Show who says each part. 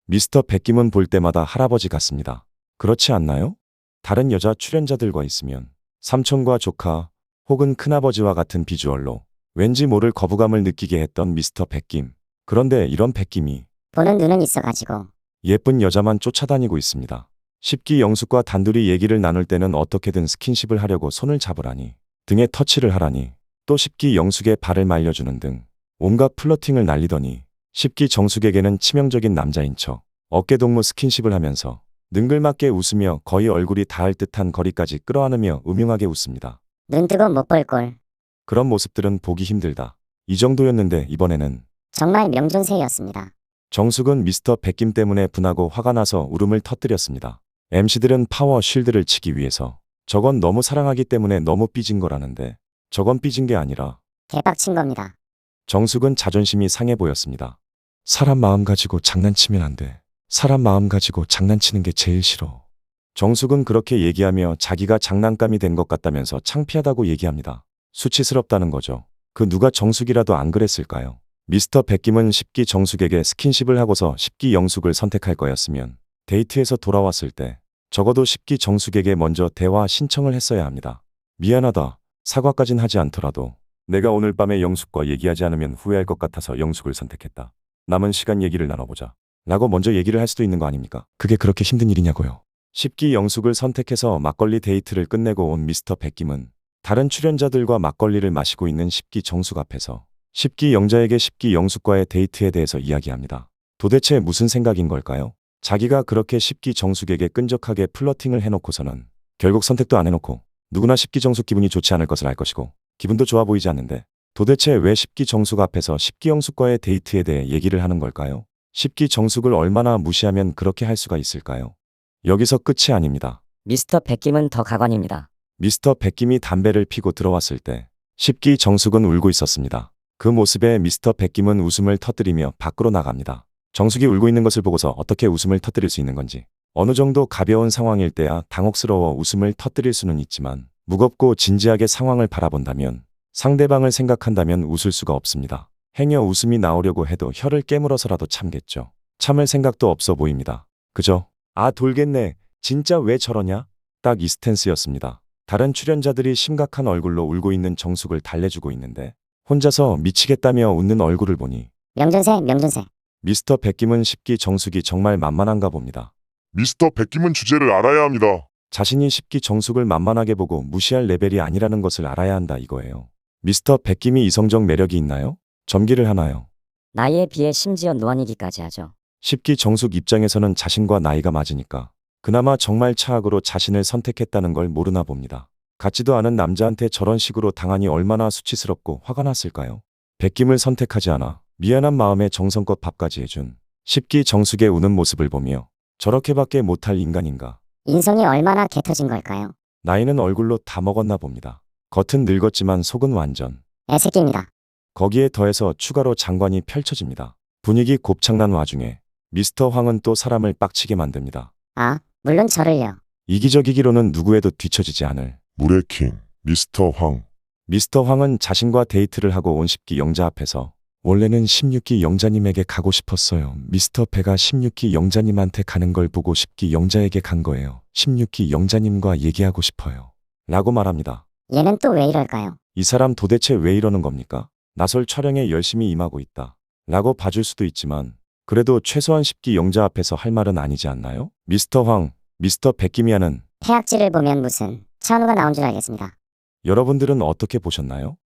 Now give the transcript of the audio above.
Speaker 1: 미스터 백김은 볼 때마다 할아버지 같습니다. 그렇지 않나요? 다른 여자 출연자들과 있으면 삼촌과 조카 혹은 큰아버지와 같은 비주얼로 왠지 모를 거부감을 느끼게 했던 미스터 백김. 그런데 이런 백김이
Speaker 2: 보는 눈은 있어가지고.
Speaker 1: 예쁜 여자만 쫓아다니고 있습니다. 십기 영숙과 단둘이 얘기를 나눌 때는 어떻게든 스킨십을 하려고 손을 잡으라니, 등에 터치를 하라니, 또 십기 영숙의 발을 말려주는 등 온갖 플러팅을 날리더니 십기 정숙에게는 치명적인 남자인 척 어깨동무 스킨십을 하면서 능글맞게 웃으며 거의 얼굴이 닿을 듯한 거리까지 끌어안으며 음흉하게 웃습니다.
Speaker 2: 눈 뜨고 못 볼 꼴.
Speaker 1: 그런 모습들은 보기 힘들다. 이 정도였는데 이번에는
Speaker 2: 정말 명존세였습니다.
Speaker 1: 정숙은 미스터 백김 때문에 분하고 화가 나서 울음을 터뜨렸습니다. MC들은 파워 쉴드를 치기 위해서 저건 너무 사랑하기 때문에 너무 삐진 거라는데 저건 삐진 게 아니라
Speaker 2: 개빡친 겁니다.
Speaker 1: 정숙은 자존심이 상해 보였습니다. 사람 마음 가지고 장난치면 안 돼. 사람 마음 가지고 장난치는 게 제일 싫어. 정숙은 그렇게 얘기하며 자기가 장난감이 된 것 같다면서 창피하다고 얘기합니다. 수치스럽다는 거죠. 그 누가 정숙이라도 안 그랬을까요? 미스터 백김은 십기 정숙에게 스킨십을 하고서 십기 영숙을 선택할 거였으면 데이트에서 돌아왔을 때 적어도 십기 정숙에게 먼저 대화 신청을 했어야 합니다. 미안하다. 사과까진 하지 않더라도 내가 오늘 밤에 영숙과 얘기하지 않으면 후회할 것 같아서 영숙을 선택했다. 남은 시간 얘기를 나눠보자. 라고 먼저 얘기를 할 수도 있는 거 아닙니까? 그게 그렇게 힘든 일이냐고요. 십기 영숙을 선택해서 막걸리 데이트를 끝내고 온 미스터 백김은 다른 출연자들과 막걸리를 마시고 있는 십기 정숙 앞에서 십기 영자에게 십기 영숙과의 데이트에 대해서 이야기합니다. 도대체 무슨 생각인 걸까요? 자기가 그렇게 십기 정숙에게 끈적하게 플러팅을 해놓고서는 결국 선택도 안 해놓고 누구나 십기 정숙 기분이 좋지 않을 것을 알 것이고 기분도 좋아 보이지 않는데 도대체 왜 십기 정숙 앞에서 십기 영숙과의 데이트에 대해 얘기를 하는 걸까요? 십기 정숙을 얼마나 무시하면 그렇게 할 수가 있을까요? 여기서 끝이 아닙니다.
Speaker 2: 미스터 백김은 더 가관입니다.
Speaker 1: 미스터 백김이 담배를 피고 들어왔을 때 십기 정숙은 울고 있었습니다. 그 모습에 미스터 백김은 웃음을 터뜨리며 밖으로 나갑니다. 정숙이 울고 있는 것을 보고서 어떻게 웃음을 터뜨릴 수 있는 건지, 어느 정도 가벼운 상황일 때야 당혹스러워 웃음을 터뜨릴 수는 있지만 무겁고 진지하게 상황을 바라본다면, 상대방을 생각한다면 웃을 수가 없습니다. 행여 웃음이 나오려고 해도 혀를 깨물어서라도 참겠죠. 참을 생각도 없어 보입니다. 그죠? 아 돌겠네. 진짜 왜 저러냐? 딱 이 스탠스였습니다. 다른 출연자들이 심각한 얼굴로 울고 있는 정숙을 달래주고 있는데 혼자서 미치겠다며 웃는 얼굴을 보니
Speaker 2: 명존세, 명존세.
Speaker 1: 미스터 백김은 십기 정숙이 정말 만만한가 봅니다.
Speaker 3: 미스터 백김은 주제를 알아야 합니다.
Speaker 1: 자신이 십기 정숙을 만만하게 보고 무시할 레벨이 아니라는 것을 알아야 한다 이거예요. 미스터 백김이 이성적 매력이 있나요? 점기를 하나요?
Speaker 2: 나이에 비해 심지어 노안이기까지 하죠.
Speaker 1: 십기 정숙 입장에서는 자신과 나이가 맞으니까 그나마 정말 차악으로 자신을 선택했다는 걸 모르나 봅니다. 같지도 않은 남자한테 저런 식으로 당하니 얼마나 수치스럽고 화가 났을까요? 백김을 선택하지 않아 미안한 마음에 정성껏 밥까지 해준 십기 정숙의 우는 모습을 보며 저렇게밖에 못할 인간인가.
Speaker 2: 인성이 얼마나 개터진 걸까요?
Speaker 1: 나이는 얼굴로 다 먹었나 봅니다. 겉은 늙었지만 속은 완전.
Speaker 2: 애새끼입니다.
Speaker 1: 거기에 더해서 추가로 장관이 펼쳐집니다. 분위기 곱창난 와중에 미스터 황은 또 사람을 빡치게 만듭니다.
Speaker 2: 아, 물론 저를요.
Speaker 1: 이기적이기로는 누구에도 뒤처지지 않을
Speaker 3: 물의 킹, 미스터 황.
Speaker 1: 미스터 황은 자신과 데이트를 하고 온 십기 영자 앞에서 원래는 16기 영자님에게 가고 싶었어요. 미스터 배가 16기 영자님한테 가는 걸 보고 십기 영자에게 간 거예요. 16기 영자님과 얘기하고 싶어요. 라고 말합니다.
Speaker 2: 얘는 또 왜 이럴까요?
Speaker 1: 이 사람 도대체 왜 이러는 겁니까? 나설 촬영에 열심히 임하고 있다. 라고 봐줄 수도 있지만 그래도 최소한 십기 영자 앞에서 할 말은 아니지 않나요? 미스터 황, 미스터 백김이 하는
Speaker 2: 태악질을 보면 무슨 천우가 나온 줄 알겠습니다.
Speaker 1: 여러분들은 어떻게 보셨나요?